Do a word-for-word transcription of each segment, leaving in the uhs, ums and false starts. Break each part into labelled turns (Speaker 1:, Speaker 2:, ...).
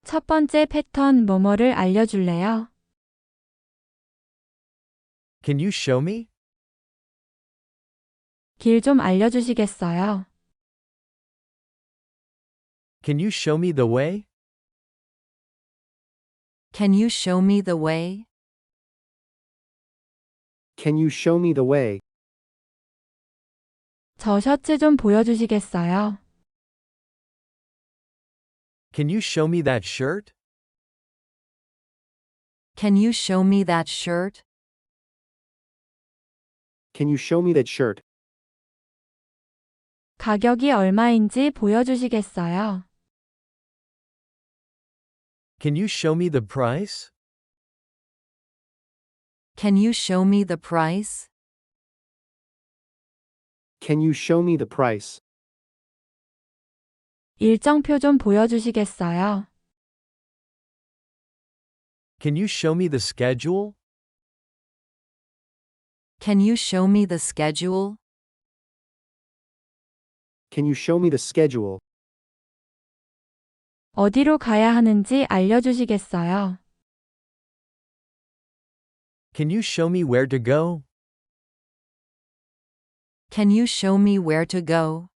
Speaker 1: 첫 번째 패턴 뭐뭐를 알려줄래요?
Speaker 2: Can you show me?
Speaker 1: 길 좀 알려주시겠어요?
Speaker 2: Can you show me the way?
Speaker 3: Can you show me the way?
Speaker 4: Can you show me the way?
Speaker 1: 저 셔츠 좀 보여주시겠어요?
Speaker 2: Can you show me that shirt?
Speaker 3: Can you show me that shirt?
Speaker 4: Can you show me that shirt?
Speaker 1: 가격이 얼마인지 보여주시겠어요?
Speaker 2: Can you show me the price?
Speaker 3: Can you show me the price?
Speaker 4: Can you show me the price?
Speaker 1: 일정표 좀 보여주시겠어요?
Speaker 2: Can you show me the schedule?
Speaker 3: Can you show me the schedule?
Speaker 4: Can you show me the schedule?
Speaker 1: 어디로 가야 하는지 알려주시겠어요?
Speaker 2: Can you show me where to go?
Speaker 3: Can you show me where to go?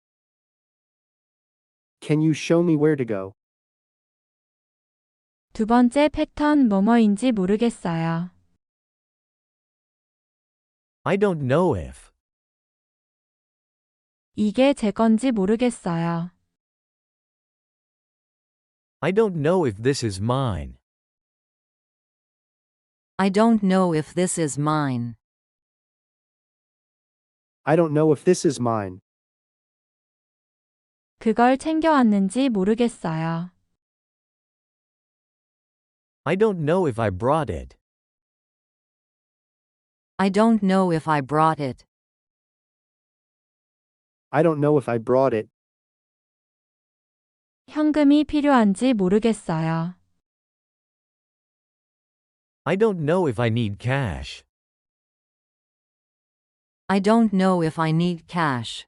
Speaker 4: Can you show me where to go?
Speaker 1: 두 번째 패턴 뭐뭐인지 모르겠어요.
Speaker 2: I don't know if.
Speaker 1: 이게 제 건지 모르겠어요.
Speaker 2: I don't know if this is mine.
Speaker 3: I don't know if this is mine.
Speaker 4: I don't know if this is mine.
Speaker 1: 그걸 챙겨왔는지 모르겠어요.
Speaker 2: I don't know if I brought it.
Speaker 3: I don't know if I brought it.
Speaker 4: I don't know if I brought it.
Speaker 1: 현금이 필요한지 모르겠어요.
Speaker 2: I don't know if I need cash.
Speaker 3: I don't know if I need cash.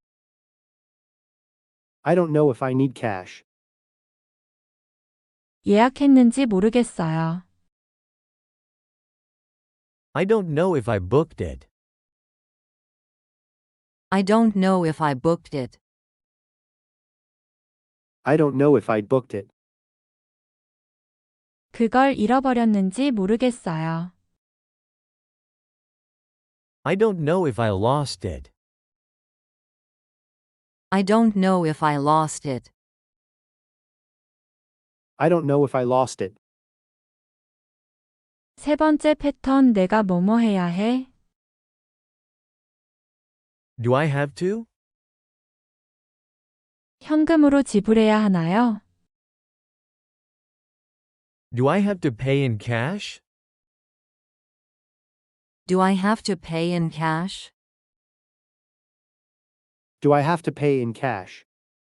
Speaker 4: I don't know if I need cash.
Speaker 1: 예약했는지 모르겠어요.
Speaker 2: I don't know if I booked it.
Speaker 3: I don't know if I booked it.
Speaker 4: I don't know if I booked it.
Speaker 1: 그걸 잃어버렸는지 모르겠어요.
Speaker 2: I don't know if I lost it.
Speaker 3: I don't know if I lost it.
Speaker 4: I don't know if I lost it.
Speaker 1: 세 번째 패턴 내가 뭐뭐 해야 해?
Speaker 2: Do I have to?
Speaker 1: 현금으로 지불해야 하나요?
Speaker 2: Do I have to pay in cash?
Speaker 3: Do I have to pay in cash?
Speaker 4: Do I have to pay in cash?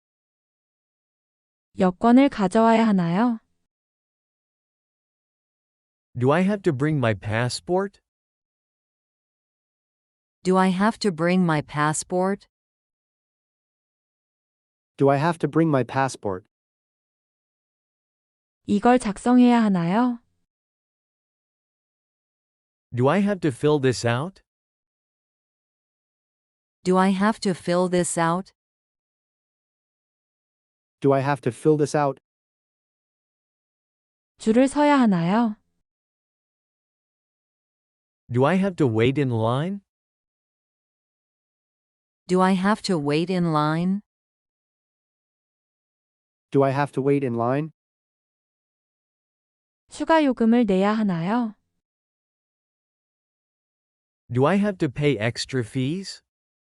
Speaker 1: 여권을 가져와야 하나요?
Speaker 2: Do I have to bring my passport?
Speaker 3: Do I have to bring my passport?
Speaker 4: Do I have to bring my passport?
Speaker 1: 이걸 작성해야 하나요?
Speaker 2: Do I have to fill this out?
Speaker 3: Do I have to fill this out?
Speaker 4: Do I have to fill this out?
Speaker 1: 줄을 서야 하나요?
Speaker 2: Do I have to wait in line?
Speaker 3: Do I have to wait in line?
Speaker 4: Do I have to wait in line?
Speaker 1: 추가 요금을 내야 하나요?
Speaker 2: Do I have to pay extra fees?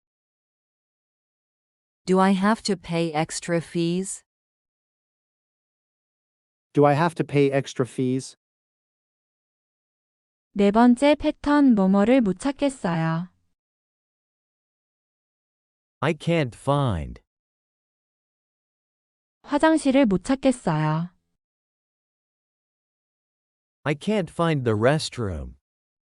Speaker 3: Do I have to pay extra fees?
Speaker 4: Do I have to pay extra fees?
Speaker 1: 네 번째 패턴 뭐뭐를 못 찾겠어요.
Speaker 2: I can't find.
Speaker 1: 화장실을 못 찾겠어요.
Speaker 2: I can't find the restroom.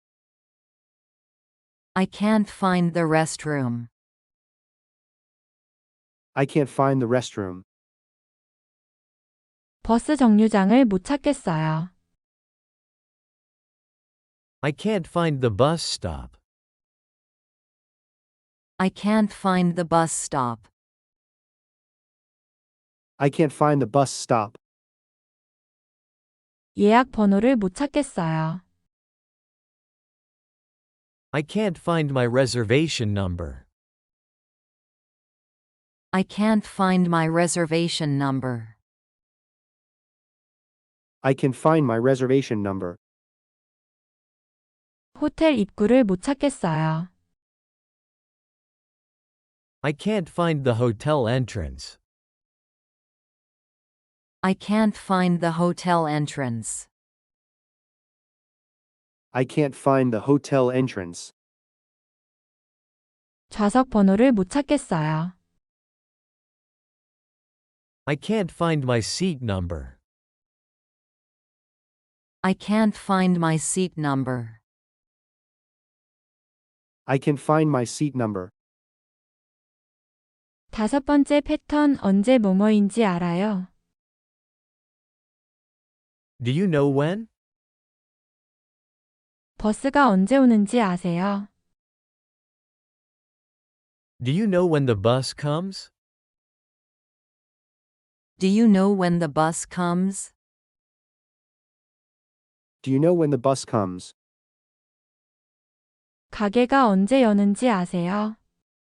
Speaker 3: I can't find the restroom.
Speaker 4: I can't find the restroom.
Speaker 1: 버스 정류장을 못 찾겠어요.
Speaker 2: I can't find the bus stop.
Speaker 3: I can't find the bus stop.
Speaker 4: I can't find the bus stop.
Speaker 1: 예약 번호를 못 찾겠어요.
Speaker 2: I can't find my reservation number.
Speaker 3: I can't find my reservation number.
Speaker 4: I can find my reservation number.
Speaker 1: 호텔 입구를 못 찾겠어요.
Speaker 2: I can't find the hotel entrance.
Speaker 3: I can't find the hotel entrance.
Speaker 4: I can't find the hotel entrance.
Speaker 1: 좌석 번호를 못 찾겠어요.
Speaker 2: I can't find my seat number.
Speaker 3: I can't find my seat number.
Speaker 4: I can find my seat number.
Speaker 1: 다섯 번째 패턴 언제 뭐뭐인지 알아요?
Speaker 2: Do you know when?
Speaker 1: 버스가 언제 오는지 아세요?
Speaker 2: Do you know when the bus comes?
Speaker 3: Do you know when the bus comes?
Speaker 4: Do you know when the bus comes?
Speaker 1: 가게가 언제 여는지 아세요?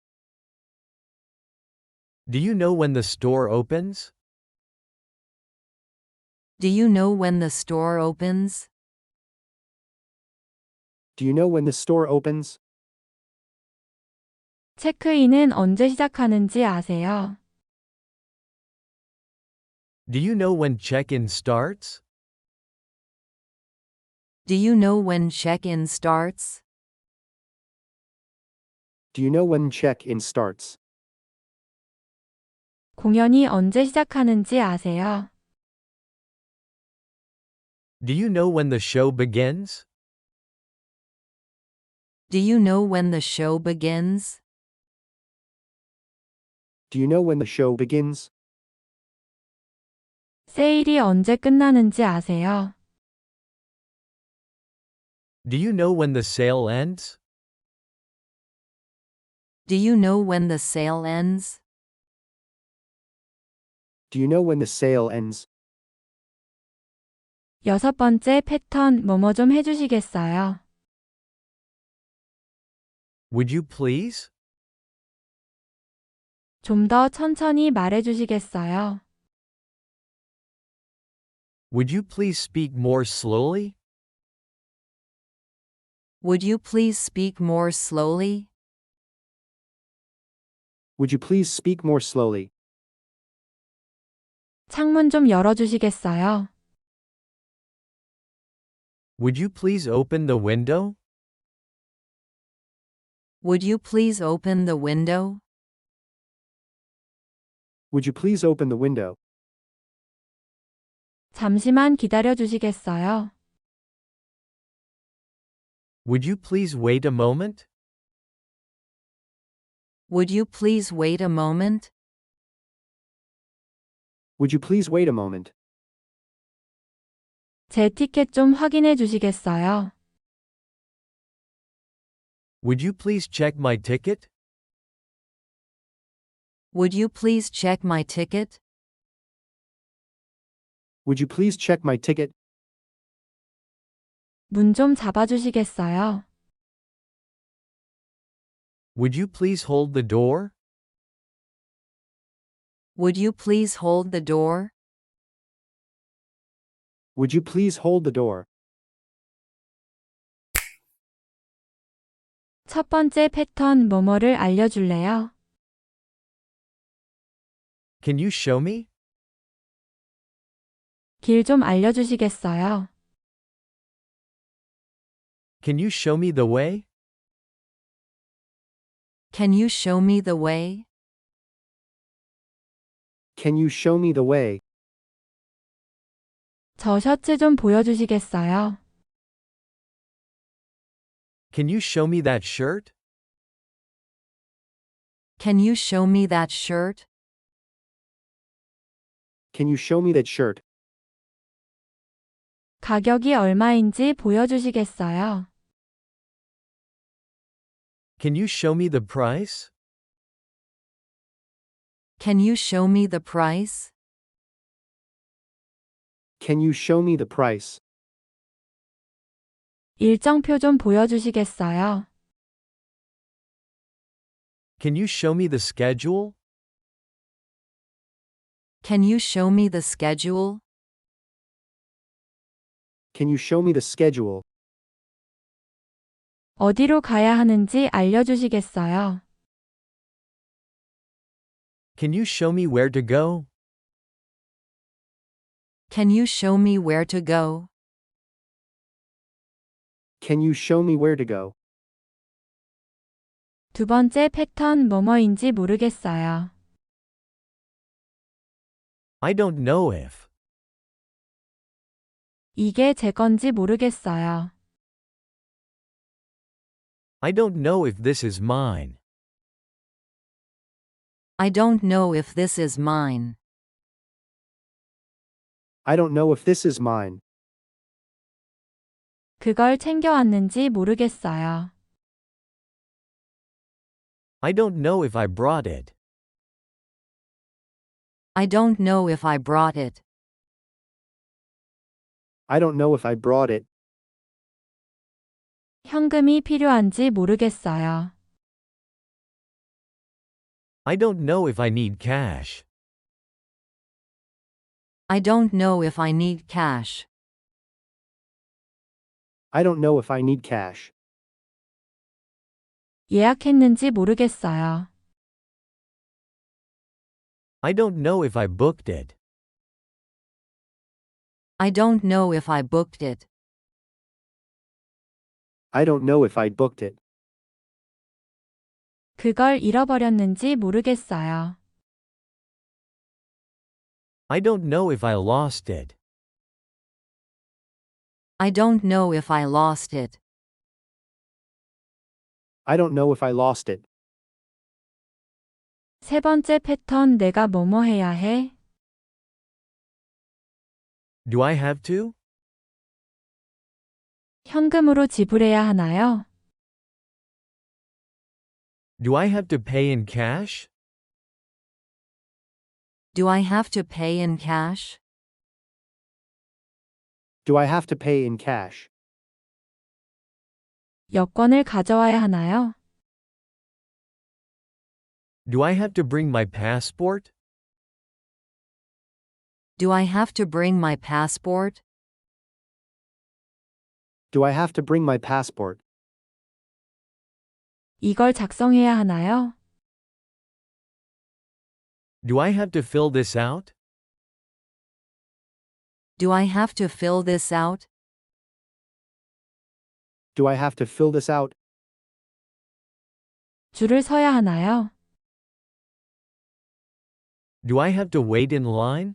Speaker 2: Do you know when the store opens?
Speaker 3: Do you know when the store opens?
Speaker 4: Do you know when the store opens?
Speaker 1: 체크인은 언제 시작하는지 아세요?
Speaker 2: Do you know when check-in starts?
Speaker 3: Do you know when check-in starts?
Speaker 4: Do you know when check-in starts?
Speaker 1: 공연이 언제 시작하는지 아세요?
Speaker 2: Do you know when the show begins?
Speaker 3: Do you know when the show begins?
Speaker 4: Do you know when the show begins?
Speaker 1: 세일이 언제 끝나는지 아세요?
Speaker 2: Do you know when the sale ends?
Speaker 3: Do you know when the sale ends?
Speaker 4: Do you know when the sale ends?
Speaker 1: 여섯 번째 패턴 뭐뭐 좀 해주시겠어요?
Speaker 2: Would you please?
Speaker 1: 좀 더 천천히 말해주시겠어요?
Speaker 2: Would you please speak more slowly?
Speaker 3: Would you please speak more slowly?
Speaker 4: Would you please speak more slowly?
Speaker 1: 창문 좀 열어주시겠어요?
Speaker 2: Would you please open the window?
Speaker 3: Would you please open the window?
Speaker 4: Would you please open the window?
Speaker 1: 잠시만 기다려주시겠어요?
Speaker 2: Would you please wait a moment?
Speaker 3: Would you please wait a moment?
Speaker 4: Would you please wait a moment?
Speaker 1: 제 티켓 좀 확인해 주시겠어요?
Speaker 2: Would you please check my ticket?
Speaker 3: Would you please check my ticket?
Speaker 4: Would you please check my ticket?
Speaker 1: 문 좀 잡아주시겠어요?
Speaker 2: Would you please hold the door?
Speaker 3: Would you please hold the door?
Speaker 4: Would you please hold the door?
Speaker 1: 첫 번째 패턴 뭐뭐를 알려줄래요?
Speaker 2: Can you show me?
Speaker 1: 길 좀 알려주시겠어요?
Speaker 2: Can you show me the way?
Speaker 3: Can you show me the way?
Speaker 4: Can you show me the way?
Speaker 1: 저 셔츠 좀 보여주시겠어요?
Speaker 2: Can you show me that shirt?
Speaker 3: Can you show me that shirt?
Speaker 4: Can you show me that shirt?
Speaker 1: 가격이 얼마인지 보여주시겠어요?
Speaker 2: Can you show me the price?
Speaker 3: Can you show me the price?
Speaker 4: Can you show me the price?
Speaker 1: 일정표 좀 보여주시겠어요?
Speaker 2: Can you show me the schedule?
Speaker 3: Can you show me the schedule?
Speaker 4: Can you show me the schedule?
Speaker 1: 어디로 가야 하는지 알려주시겠어요?
Speaker 2: Can you show me where to go?
Speaker 3: Can you show me where to go?
Speaker 4: Can you show me where to go?
Speaker 1: 두 번째 패턴 뭐뭐인지 모르겠어요.
Speaker 2: I don't know if.
Speaker 1: 이게 제 건지 모르겠어요.
Speaker 2: I don't know if this is mine.
Speaker 3: I don't know if this is mine.
Speaker 4: I don't know if this is mine.
Speaker 1: 그걸 챙겨왔는지 모르겠어요.
Speaker 2: I don't know if I brought it.
Speaker 3: I don't know if I brought it.
Speaker 4: I don't know if I brought it.
Speaker 1: 현금이 필요한지 모르겠어요.
Speaker 2: I don't know if I need cash.
Speaker 3: I don't know if I need cash.
Speaker 4: I don't know if I need cash.
Speaker 1: 예약했는지 모르겠어요.
Speaker 2: I don't know if I booked it.
Speaker 3: I don't know if I booked it.
Speaker 4: I don't know if I booked it.
Speaker 1: 그걸 잃어버렸는지 모르겠어요.
Speaker 2: I don't know if I lost it.
Speaker 3: I don't know if I lost it.
Speaker 4: I don't know if I lost it.
Speaker 1: 세 번째 패턴 내가 뭐뭐 해야 해?
Speaker 2: Do I have to?
Speaker 1: 현금으로 지불해야 하나요?
Speaker 2: Do I have to pay in cash?
Speaker 3: Do I have to pay in cash?
Speaker 4: Do I have to pay in cash?
Speaker 1: 여권을 가져와야 하나요?
Speaker 2: Do I have to bring my passport?
Speaker 3: Do I have to bring my passport?
Speaker 4: Do I have to bring my passport?
Speaker 1: 이걸 작성해야 하나요?
Speaker 2: Do I have to fill this out?
Speaker 3: Do I have to fill this out?
Speaker 4: Do I have to fill this out?
Speaker 1: 줄을 서야 하나요?
Speaker 2: Do I have to wait in line?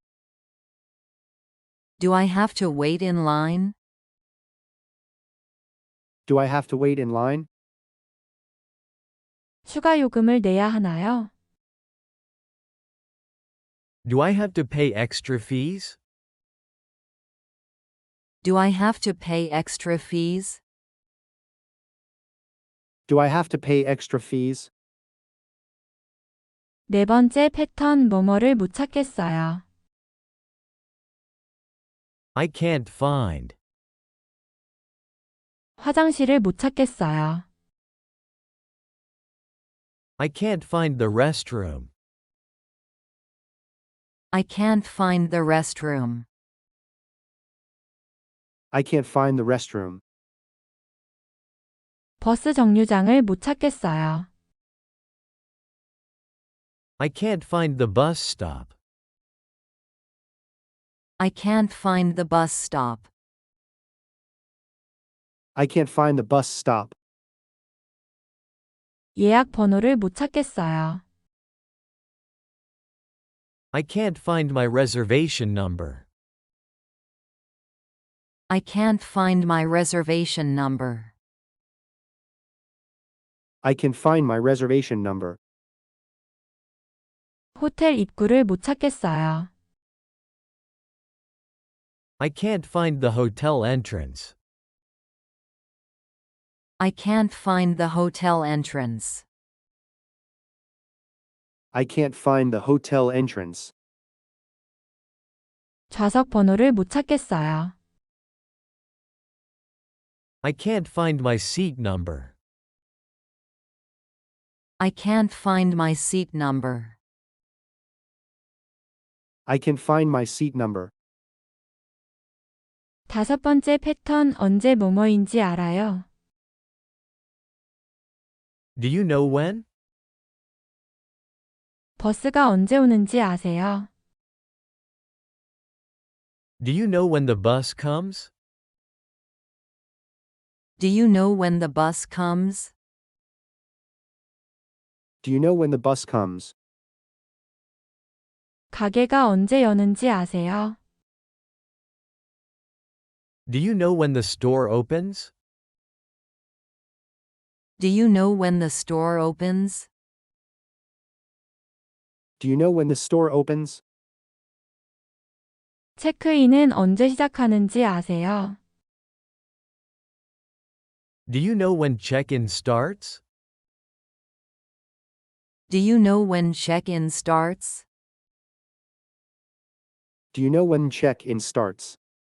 Speaker 3: Do I have to wait in line?
Speaker 4: Do I have to wait in line?
Speaker 1: 추가 요금을 내야 하나요?
Speaker 2: Do I have to pay extra fees?
Speaker 3: Do I have to pay extra fees?
Speaker 4: Do I have to pay extra fees?
Speaker 1: 네 번째 패턴 뭐뭐를 못 찾겠어요.
Speaker 2: I can't find.
Speaker 1: 화장실을 못 찾겠어요.
Speaker 2: I can't find the restroom.
Speaker 3: I can't find the restroom.
Speaker 4: I can't find the restroom.
Speaker 1: 버스 정류장을 못 찾겠어요.
Speaker 2: I can't find the bus stop.
Speaker 3: I can't find the bus stop.
Speaker 4: I can't find the bus stop.
Speaker 1: 예약 번호를 못 찾겠어요.
Speaker 2: I can't find my reservation number.
Speaker 3: I can't find my reservation number.
Speaker 4: I can find my reservation number.
Speaker 1: 호텔 입구를 못 찾겠어요.
Speaker 2: I can't find the hotel entrance.
Speaker 3: I can't find the hotel entrance.
Speaker 4: I can't find the hotel entrance.
Speaker 1: 좌석 번호를 못 찾겠어요.
Speaker 2: I can't find my seat number.
Speaker 3: I can't find my seat number.
Speaker 4: I can find my seat number.
Speaker 1: 다섯 번째 패턴 언제 뭐뭐인지 알아요?
Speaker 2: Do you know when?
Speaker 1: 버스가 언제 오는지 아세요?
Speaker 2: Do you know when the bus comes?
Speaker 3: Do you know when the bus comes?
Speaker 4: Do you know when the bus comes?
Speaker 1: 가게가 언제 여는지 아세요?
Speaker 2: Do you know when the store opens?
Speaker 3: Do you know when the store opens?
Speaker 4: Do you know when the store opens?
Speaker 1: 체크인은 언제 시작하는지 아세요?
Speaker 2: Do you know when check-in starts?
Speaker 3: Do you know when check-in starts?
Speaker 4: Do you know when check-in starts?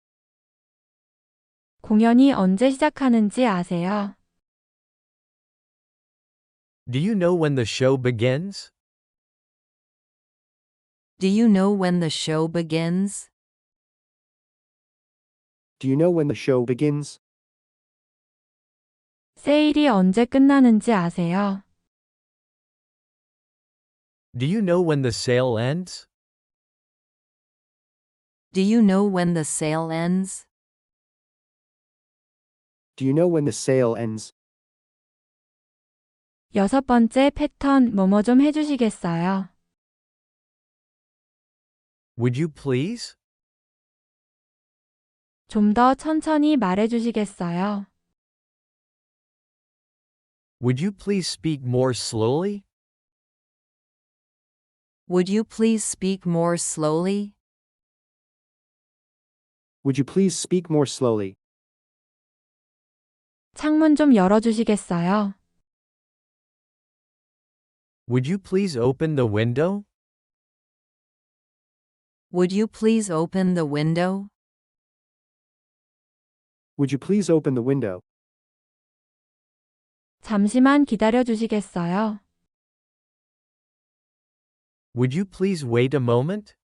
Speaker 1: 공연이 언제 시작하는지 아세요?
Speaker 2: Do you know when the show begins?
Speaker 3: Do you know when the show begins?
Speaker 4: Do you know when the show begins?
Speaker 1: 세일이 언제 끝나는지 아세요?
Speaker 2: Do you know when the sale ends?
Speaker 3: Do you know when the sale ends?
Speaker 4: Do you know when the sale ends?
Speaker 1: 여섯 번째 패턴 뭐뭐 좀 해주시겠어요?
Speaker 2: Would you please?
Speaker 1: 좀 더 천천히 말해주시겠어요?
Speaker 2: Would you please speak more slowly?
Speaker 3: Would you please speak more slowly?
Speaker 4: Would you please speak more slowly?
Speaker 1: 창문 좀 열어주시겠어요?
Speaker 2: Would you please open the window?
Speaker 3: Would you please open the window?
Speaker 4: Would you please open the window?
Speaker 1: 잠시만 기다려주시겠어요?
Speaker 2: Would you please wait a moment?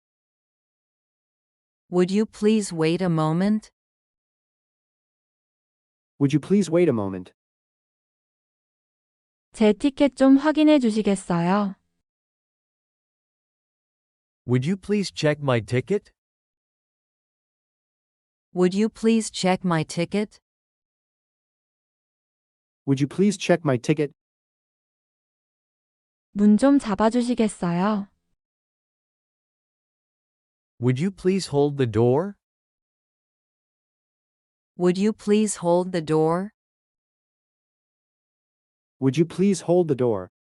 Speaker 3: Would you please wait a moment?
Speaker 4: Would you please wait a moment?
Speaker 1: 제 티켓 좀 확인해 주시겠어요?
Speaker 2: Would you please check my ticket?
Speaker 3: Would you please check my ticket?
Speaker 4: Would you please check my ticket?
Speaker 1: 문 좀 잡아주시겠어요?
Speaker 2: Would you please hold the door?
Speaker 3: Would you please hold the door?
Speaker 4: Would you please hold the door?